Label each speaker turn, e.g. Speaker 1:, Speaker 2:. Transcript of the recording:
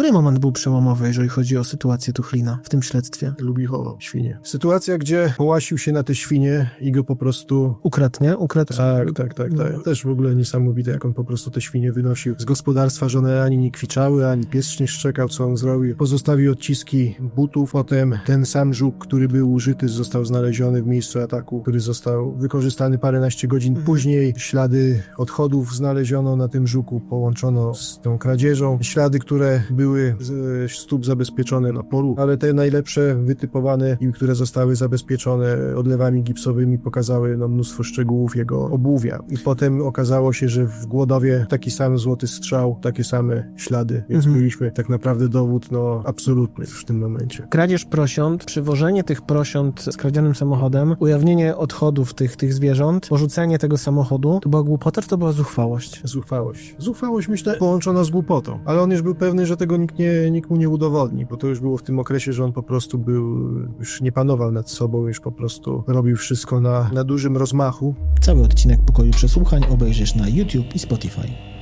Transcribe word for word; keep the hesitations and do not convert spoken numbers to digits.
Speaker 1: Który moment był przełomowy, jeżeli chodzi o sytuację Tuchlina w tym śledztwie?
Speaker 2: Lubichowo, świnie. Sytuacja, gdzie połasił się na te świnie i go po prostu...
Speaker 1: Ukradł, nie? Ukradł.
Speaker 2: Tak, tak, tak, tak. Też w ogóle niesamowite, jak on po prostu te świnie wynosił z gospodarstwa, że one ani nie kwiczały, ani pies nie szczekał, co on zrobił. Pozostawił odciski butów, potem ten sam żuk, który był użyty, został znaleziony w miejscu ataku, który został wykorzystany paręnaście godzin później. Ślady odchodów znaleziono na tym żuku, połączono z tą kradzieżą. Ślady, które były z stóp zabezpieczone na polu, ale te najlepsze, wytypowane i które zostały zabezpieczone odlewami gipsowymi, pokazały no, mnóstwo szczegółów jego obuwia. I potem okazało się, że w Głodowie taki sam złoty strzał, takie same ślady, więc
Speaker 1: Mhm.
Speaker 2: mieliśmy tak naprawdę dowód no absolutny w tym momencie.
Speaker 1: Kradzież prosiąt, przywożenie tych prosiąt z kradzionym samochodem, ujawnienie odchodów tych, tych zwierząt, porzucenie tego samochodu, to była głupota, czy to była zuchwałość?
Speaker 2: Zuchwałość. Zuchwałość, myślę, połączona z głupotą. Ale on już był pewny, że tego nikt, nie, nikt mu nie udowodni, bo to już było w tym okresie, że on po prostu był, już nie panował nad sobą, już po prostu robił wszystko na, na dużym rozmachu.
Speaker 1: Cały odcinek Pokoju Przesłuchań obejrzysz na YouTube i Spotify.